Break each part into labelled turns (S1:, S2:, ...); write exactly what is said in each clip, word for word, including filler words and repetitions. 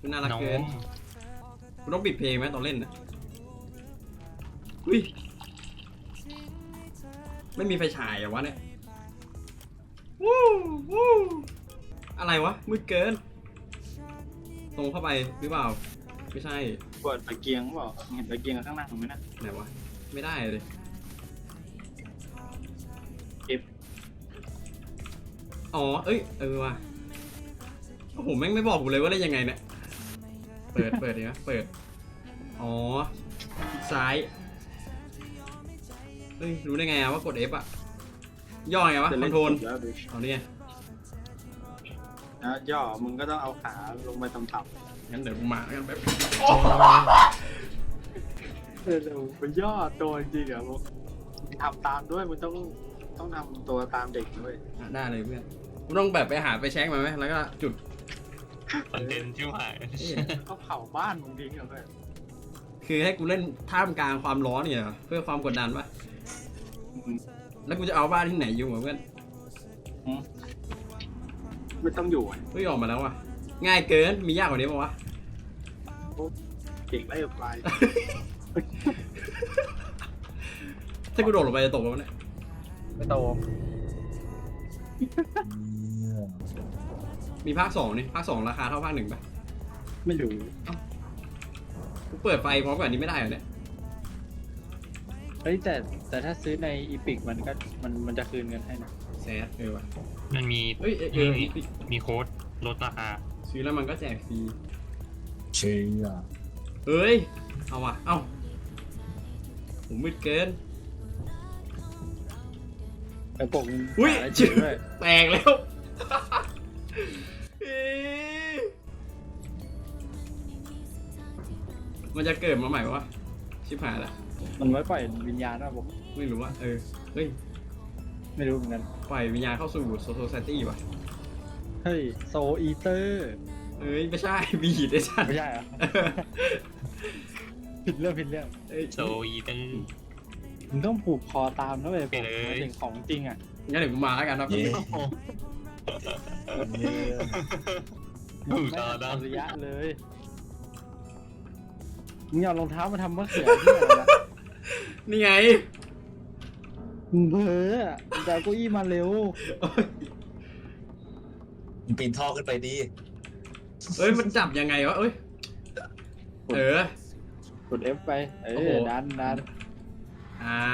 S1: มันน่ารัก
S2: น้อง
S1: เกินกูต้องปิดเพลงไหมตอนเล่นนะอุ้ยไม่มีไฟฉายเหรอวะเนี่ยวู้วู้อะไรวะมืดเกินตรงเข้าไปหรือเปล่าไม่ใช่
S3: เปิดตะเกียงเปล่าเห็นตะเกียงข้างหน้าผมไหมนะ
S1: ไหนวะไม่ได้เลย
S3: F
S1: อ๋อเอ้ยเออว่ะโอ้โหแม่งไม่บอกกูเลยว่าได้ยังไงเนี่ยเปิดเปิดดีนะเปิดอ๋อซ้ายเฮ้ยรู้ได้ไงอะว่ากด F อะย่อไงวะคอนโทรล
S3: แล้วดู
S1: เอาเนี่ย
S3: นะย่อมึงก็ต้องเอาขาลงไปต่ำ
S1: งั้นเดี๋ยวกูมาแล้วกันแบบ
S3: ๆเออเดี๋ยวไปย่อตัวจริงๆอ่ะมึงทำตามด้วยมึงต้องต้องทำตัวตามเด็กด้วย
S1: ได้เลยเพื่อนกูต้องแบบไปหาไปแช็คมาไหมแล้วก็จุด
S2: คอนเทนต์ชิบหาย
S3: ก็เผาบ้านมึงทิ้งเหรอเพื่อน
S1: คือให้กูเล่นท่ามกลางความร้อนเนี่ยเหรอเพื่อความกดดันปะแล้วกูจะเอาบ้านที่ไหนอยู่วะเพื่อน
S3: ไม่ต้องอยู่อ่ะ
S1: เฮ้ยออกมาแล้วว่ะง่ายเกินมียากกว่านี้ปะวะ
S3: เก่งไล่ไป
S1: ถ้ากูโดดลงไปจะตกปะวะเนี่ย
S3: ไม่โต
S1: มีภาคสองนี่ภาคสองราคาเท่าภาคหนึ่งปะ
S3: ไม่รู้
S1: กูเปิดไฟพร้อมกับอันนี้ไม่ได้เหรอเนี่ย
S4: เฮ้ยแต่แต่ถ้าซื้อในอีพิกมันก็มันมันจะคืนเงินให้นะ
S1: แซดเออว่ะ
S2: มันมี
S1: เฮ้ยเออเอ
S2: มี
S1: อ
S2: มีโค้ดลดราคา
S1: ซื้อแล้วมันก็แจกฟรี
S5: เชีย
S1: เฮ้ยเอาว่ะเอ้าผมมืดเกิน
S4: แต่ปกมัน
S1: อุ้ย
S4: หาได้จ
S1: ชื่
S4: ริ
S1: อง
S4: ด้วย
S1: แตกแล้วเอ๊ะมันจะเกิดมาใหม่วะชิบหายละ
S4: มันไว้ปล่อยวิญญาณว่าปก
S1: ไม่รู้ว่าเออเฮ้ย
S4: ไม่รู้เหมือนกัน
S1: ปล่อยวิญญาณเข้าสู่โซโซไซตี้ว่ะ
S4: เฮ้ยโซอีเตอร์
S1: เอ้ยไม่ใช่บีดไอ้สัตว์
S4: ไม่ใช่เหรอ ผิดเรื่องผิดเรื่อง
S1: เอ้ย
S2: โซอีตึง
S4: มึงต้องผูกคอตามนะเว้ย
S2: ไปเลย
S4: หมายถึงของจริงอ่ะ
S1: งั้นเดี๋ยวกูมาแล้วกันครับ
S5: เย้
S2: ดู
S4: ไม่
S2: ต่อ
S4: อัจ
S2: ได้
S4: ฉริยะเลยมึงเอารองเท้ามาทำมะเขือที่ไหนล่ะ
S1: นี่ไง
S4: มึงเพ้ออะมึงจะเอาเก้าอี้มาเร็ว
S5: มึงปีนท่อขึ้นไปดิ
S1: เอ้ยมันจับยังไงวะเอ้ยเออก
S4: ด F ไปเอ
S1: โอ้โห
S4: อดันดัน
S1: อ่า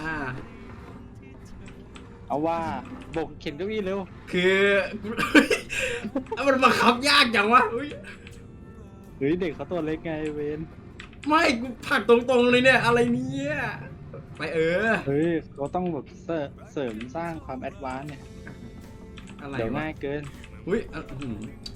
S4: เอาว่าบกเข็นเก้าอี้เร็ว
S1: คือมันบังคับยากจังวะอุ๊ย
S4: เฮ้ยเด็กเขาตัวเล็กไงเวน
S1: ไม่กูผลักตรงๆเลยเนี่ยอะไรเนี่ยไปเออ
S4: เฮ้ยเขาต้องแบบเสริมเสริมสร้างความแอดวานซ์เนี่ย
S1: อะไร
S4: เดี๋ยว
S1: วะ
S4: ง่ายเกิน
S1: อุ้ยอ่ะอื้อหือ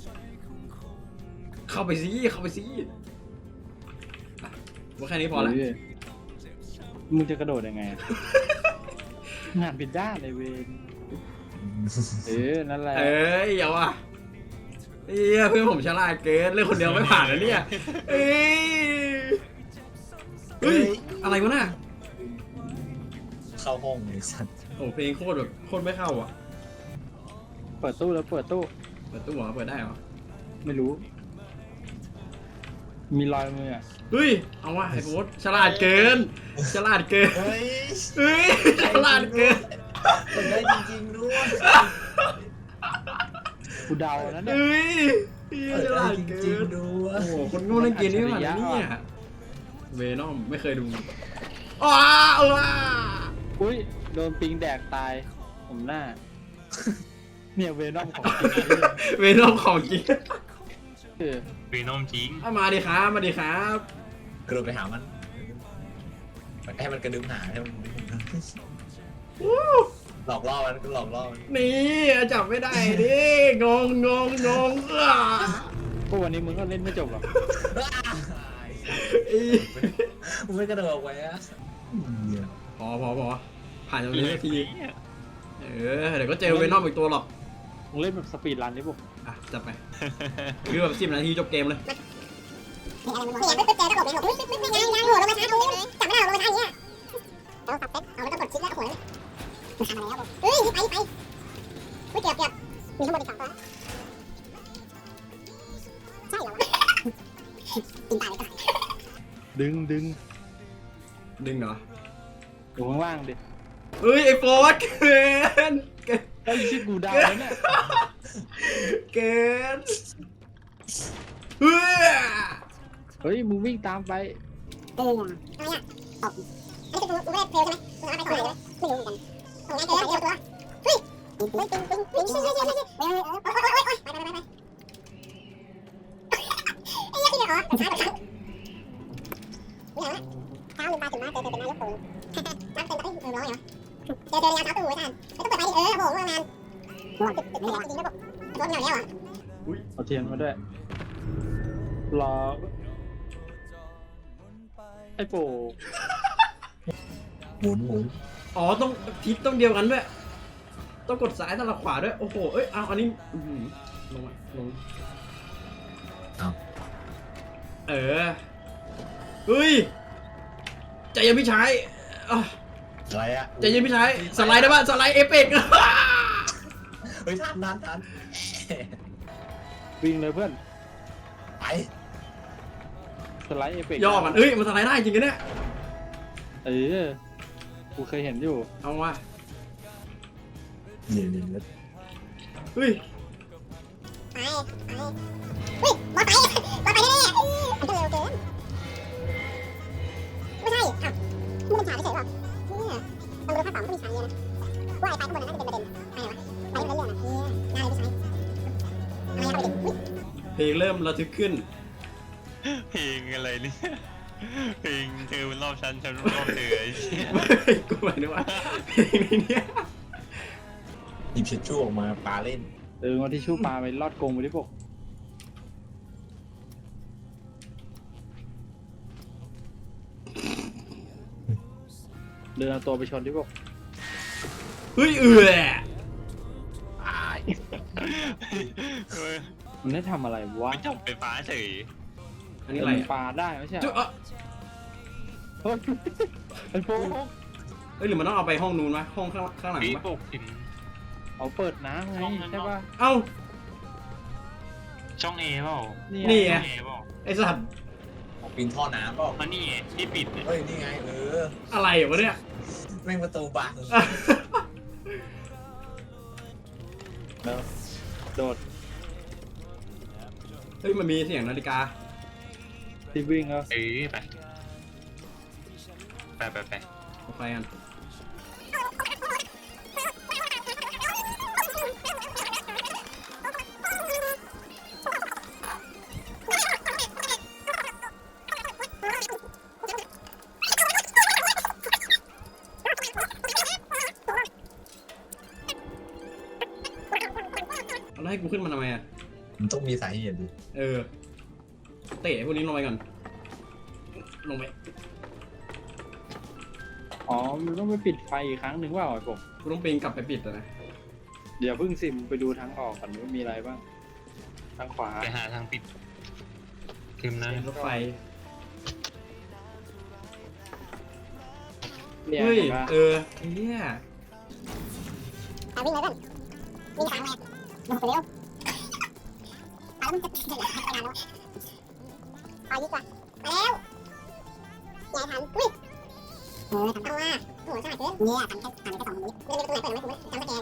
S1: เข้าไปสิเข้าไปสิอ่ะว่าแค่นี้พอละ
S4: เฮ้ยมึงจะกระโดดยังไงอะ งานผิดด้านเลยเวนเออนั่นแหละ
S1: เอ้ยอย่าว่ะเอ้ยเพื่อนผมฉลาดเกินเล่นคนเดียวไม่ผ่านแล้วเนี่ยเอ้ยเฮ้ยอะไรวะน่ะ
S5: เข้าห้องเลยสัตว์
S1: โอ้เพลงโคตรแบบโคตรไม่เข้าอ่ะ
S4: เปิดตู้แล้วเปิดตู้
S1: เปิดตู้เหรอเปิดได้เหรอ
S4: ไม่รู้ มีรอยมืออะ
S1: เฮ้ยเอาว่ะไอ้โบ๊ทฉลาดเกินฉลาดเกิน
S5: เฮ้ย
S1: เฮ้ยฉลาดเกิน
S5: มันได้จริงๆด้วย
S4: กูเดาแล้วเนี่ย
S1: เฮ้ยเฮ้ย
S5: เปิด
S1: ฉ
S5: ได้
S1: ลาด
S5: จ
S1: เกิ
S5: ริง
S1: น
S5: ๆด้วย
S1: โอ้โหคนโง่เล่นเกมนี้มาแล้วเนี่ยเวนอมไม่เคยดูอ้าเออ
S4: อุ้ยโดนปิงแดกตาย ผมหน้า เนี่ยเวนอมของจริงเลย
S1: เวนอมของจริง
S4: เออ
S2: เวนอมจริง
S1: เอามาดิครับมาดิครับ
S5: กระโดดไปหามันให้มันกระดึ๊บหาให้มัน
S1: วู้
S5: หลอกล่อมันก็หลอกล่อมัน
S1: นี่จับไม่ได้ดิงงงงงงเออ
S4: พวกวันนี้มึงก็เล่นไม่จบหรอก
S1: อี
S5: มึงไม่กระโดดออกไปอ่ะ
S1: พอพอพอผ่านตรงนี้สักทีเออเดี๋ยวก็เจอเวนอมอีกตัวหรอก
S4: มึงเล่นแบบสปีดรันดิพวก
S1: อ่ะจับไปคือแบบสิบนาทีจบเกมเลย
S6: เนี่ยปึ๊บปึ๊บเจอก็หลบเลยหลบปึ๊บปึ๊บปึ๊บยังยังโหลงมาช้าตรงนี้จับไม่ได้หรอกลงมาช้าอย่างเงี้ยต้องตัดเซ็ตเอาไม่ต้องกดชิปแล้วโหมันทำอะไรแล้วเฮ้ยไปไปไม่เก็บเก็บมีทั้งหมดอีกสองตัวใช่เหรอวะกินตายเลยก่อน
S4: ดึงดึง
S1: ดึงเหรอ
S4: อยู่ข้างล่างดิ
S1: เฮ้ยไอ้โฟร์ดเกินเกิน
S4: ไอ้ชิดกูดาวแล้วเนี่ย
S1: เกินเฮ้ย
S4: เฮ้ยมึงวิ่งตามไป
S6: เอออะไรอ่ะตบอันนี้คือกูไม่ได้เพลใช่ไหมกูเอาไปก่อนเลยไม่รู้เหมือนกันตรงนั้นเจอเจอตัวเฮ้ยเฮ้ยตึงตึงตึงเฮ้ยเฮ้ยเฮ้ยเฮ้ยเฮ้ยโอ๊ยโอ๊ยโอ๊ยโอ๊ยไปไปไปไปไอ้เหี้ยที่เนี่ยอ๋อช้าช้าเนี่ยเช้าลืมตาถึงมาเจอเจอเป็นนายกตู่นักเต้นเอ้ยเออร้อยเหรอเจอเจอระยะเช้าตู่ไว้ท่านไม่ต้องเปิดไฟดิเออโหง่วงนานง่วงตึกตึกไม่ได้จริงนะบอกรถเหนียวแล้วอ่ะ
S4: เอาเทียนมาด้วย รอ ไอ้โป
S5: หมุนหมุน
S1: อ๋อต้องทิศต้องเดียวกันด้วยต้องกดซ้ายสลับขวาด้วยโอ้โหเอ้ยเอาอันนี้อื้อหือลงมาลง
S5: เอา
S1: เออเฮ้ยใจเย็นพี่ชายอ่ะ
S5: อะไรอะ
S1: ใจเย็นพี่ชายสไลด์ได้ป่ะสไลด์เอฟเฟกต์
S5: เฮ้ยทันทันทัน
S4: วิ่งเลยเพื่อน
S5: ไป
S4: สไลด์เอฟเฟกต์
S1: ย่อมันเอ้ยมันสไลด์ได้จริงกันเนี่ย
S4: เออ กูเคยเห็นอยู่
S1: เอาว่ะ
S5: นี่นี่นี่
S1: เฮ้ย
S6: ไปไปเฮ้ยมอไซค์มอไซค์แน่ๆมันก็เร็วเกินไม่ใช่อ้าวไม่เป็นฉากเฉยๆหรอกเนี่ยตำรวจภาคสองก็มีฉากเยอะนะว่าไอ้ไปข้างบนนั้นน่าจะเป็นประเด็นใช่เหรอไปเรื่องอ่ะเนี่ยน่าเลยไม่ใช่อะไรครับประเด็นอุ๊ย
S1: เพลงเริ่มระทึกขึ้น
S2: เพลงอะไรเนี่ยเพลงเธอมันรอบฉันฉันรอบเธอไอ้เหี้ย
S1: กูหมายถึงว่าเพลงนี้เนี่ย
S5: หยิบเช็ดชู่ออกมาปาเล่น
S4: เออเอาที่ชู่ปลาไปลอดกรงไปดิพวกเดินเอาตัวไปชนดิพวก
S1: เฮ้ยเอื่อ
S2: เออ
S4: มันได้ทำอะไรวะ
S2: ไม่จับไฟฟ้าเฉย
S1: อันนี้อะไร
S4: มัน
S1: อ่ะ
S4: ปลาได้ไม่ใช่เหร
S1: จุ๊
S4: อ
S1: อ่ะ
S4: เฮ้ยไอ้โฟก
S1: เอ้ยหรือมันต้องเอาไปห้องนู้นวะห้องข้างข้างหลัง
S2: พี่
S1: วะ
S2: ปกถึง
S4: เอาเปิดน้ำไงใช่ป่ะ
S1: เอ้า
S2: ช่องเอเปล่า
S4: นี่
S1: นี่
S4: ไง
S1: ไง
S2: ช่องเอเปล่า
S1: ไอสัตว์
S5: ออกปีนท่อน้ำเปล่า
S2: อันนี้ไงที่ปิดเนี่ย
S5: เฮ้ยนี่ไงเออ
S1: อะไรวะเนี่ย
S5: แม่งประตูบัง
S4: แล้วโดด
S1: เฮ้ยมันมีเสียงนาฬิกา
S4: ที่วิ่งแล้ว
S2: เออไปไปไปไป
S1: เอาไปกัน แล้วให้กูขึ้นมาทำไมอ่ะ
S5: มันต้องมีสาเหตุดิ
S1: เออ เตะพวกนี้ลงไปก่อน ลงไป
S4: อ๋อมันต้องไปปิดไฟอีกครั้งหนึ่งว่าไอ้ผม
S1: กูต้องปีนกลับไปปิดอะนะ
S4: เดี๋ยวเพิ่งซิมไปดูทางออกก่อนว่ามีอะไรบ้างทางขวา
S2: ไปหาทางปิดคืมนะ
S1: รถไฟ
S4: เนี่ย
S1: เฮ้ย
S4: เห็นปะ
S1: เออเฮีย
S6: ไปวิ่งเลยเพื่อนวิ่งทางเลยโอ้โหเร็วไปแล้วมันจะเดี๋ยวไปนานแล้วไปดีกว่าไปแล้วอย่าทันอุ้ยเออทำเอาว่าโอ้โหสายเกินเนี่ยทำแค่ทำแค่สองมือไม่ได้เป็นตัวไหนเปิดไหมคุณจำสแกน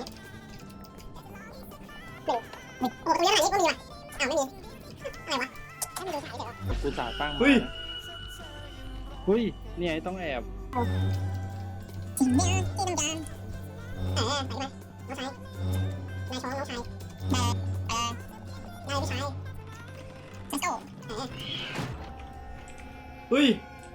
S6: เร็วโอ้โหตัวนี้อะไรนี่ก็มีว่ะอ้าวไม่มีอะไรวะไม่มีดูสายเดี๋ยว
S4: กูสาตั้งมา
S1: เฮ้ย
S4: เฮ้ยเนี่ยไอ้ต้องแอบ
S6: สิ่งนี้ที่ต้องการเออใส่มาน้องชายนายช้อนน้องชายเออเออนายพี่ชายเซนโซ่เออ
S1: เฮ้ย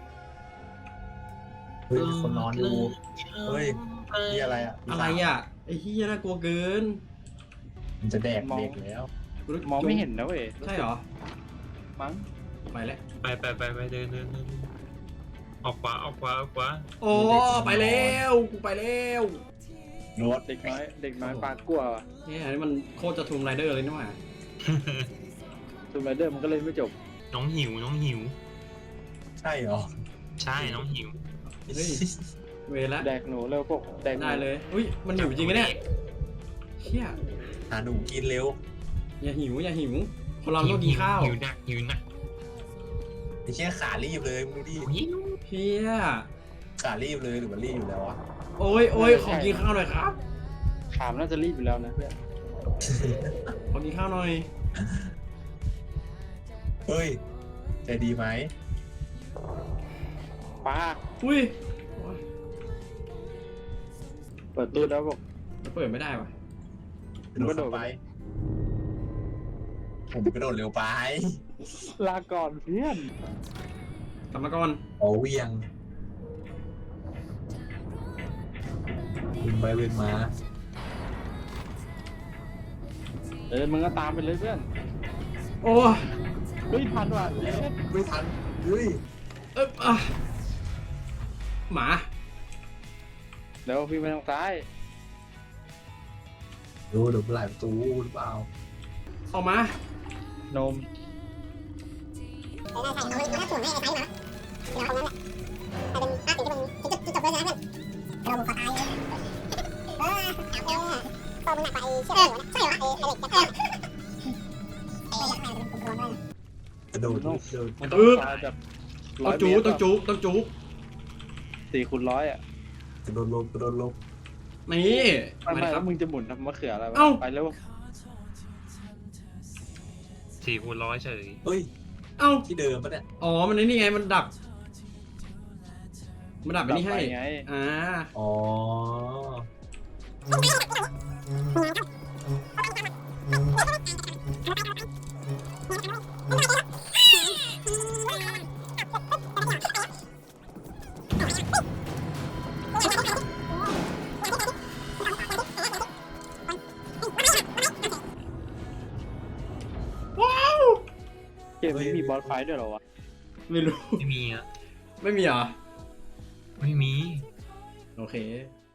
S5: เฮ้ยมีคนนอนอยู่เฮ้ยนี่อะไรอ่ะ
S1: อะไรอ่ะ ไอ้เฮียน่ากลัวเกิน
S5: มันจะแดกเด็กแล้ว
S1: กูนึก
S4: มองไม่เห็นนะเว้ย
S1: ใช่เหรอ
S4: มั้ง
S1: ไปแล้ว
S2: ไปไปไปไปเดินเดินเดินออกขวาออกขวาออกขวา
S1: โอ้ไปแล้วกูไปแล้ว
S5: รถ
S4: เด็กน้อยเด็กน้อยปลากลัวว่ะ
S1: เนี่ยอันนี้มันโคตรจะทูมไรเดอร์เลยนี่หว่า
S4: ทูมไรเดอร์มันก็เล่นไม่จบ
S2: น้องหิวน้องหิว
S5: ใช่เหรอ
S2: ใช่น้องหิว
S1: เฮ้ยเวละ
S4: แดกหนูเร็วพวกแดกหนู
S1: ได้เลยอุ้ยมันหิวจริงไหมเนี่ยเฮีย
S5: หาหนูกินเร็ว
S1: อย่าหิวอย่าหิวคนเราต้องกินข้าว
S2: หิวหนักหิวหนัก
S5: อ้เชี่ยขารีบเลยมึงดูดิ
S1: เพี้ย
S5: ขารีบเลยหรือมันรีบอยู่แล้ววะ
S1: โอ้ยโอ้ยขอกินข้าวหน่อยครับ
S4: ขามน่าจะรีบอยู่แล้วนะเพื่อน
S1: ขอกินข้าวหน่อย
S5: เฮ้ยใจดีไหม
S4: ป้า
S1: อุ้ย
S4: เปิดตู้แล้วบอก
S1: มันเปิดไม่ได้ว่ะ
S5: กระโดดเข้าไปผมกระโดดเร็วไป
S4: ลาก่อนเพื่อน
S1: กลับมาก่อน
S5: โอ้เวียงวิ่งไปวิ่งมา
S4: เออมึงก็ตามไปเลยเพื่อน
S1: โอ้ย
S4: เฮ้ยทันว่ะ
S5: แล้วไม่ทันเฮ้ย
S1: เอ๊ะอ่ะหมา
S4: เดี๋ยวพี่ไปทางซ้าย
S5: ดูเดี๋ยวไหลประตูหรือเปล่า
S1: ออกมาน
S4: ม
S6: ใช่ใช่เอาเอาถ้าถ่วงให้ไอ้ไซส์มาเดี๋ยวเอาตรงนั้นแหละเอาเป็นอ่ะถึงจะเป็นจะจะจบเลยนะเพื่อนเราบุกคอตายเออจับแล้วตัวมึงหนักกว่าไอ้เชือกหัวนะใช่เหรอไอ้ไอ้เหล็กจับตัวไอ้ยักษ์แมวจะเป็นกลมๆด้วย
S5: กระโดด
S4: ต้อง
S5: กระโดด
S4: มันต้องซอยแบบร้
S1: ต้
S4: อ
S1: อย ง
S4: เม
S1: จู
S4: ตร
S1: ต้องจูต้องจู
S4: สี่คูณร้อยอ่ะ
S5: กระโดดลงกระโดดลง
S1: นี่
S4: ไม่
S1: มา
S4: ไม่
S1: ดิค
S4: แล้
S1: รับ
S4: วมึงจะหมุนทำมะเขืออะไรวะ
S1: เอ้า
S4: ไปแล้ว
S2: สี่คูณร้อยเฉย
S5: เฮ้ย
S1: เอ้า
S5: ที่เดิมปะเนี่ย
S1: อ๋อ มันไอ้นี่ไง มันดับ มันดับไอ้นี่ให้
S4: ไปไง
S1: อ่า
S5: อ๋อ
S1: ว้าว
S4: เกมนี้มีบอสไฟท์ด้วยเหรอวะ
S1: ไม่รู้
S2: ไม่มีอ่ะ
S1: ไม่มีเหรอ
S2: ไม่มี
S1: โอเค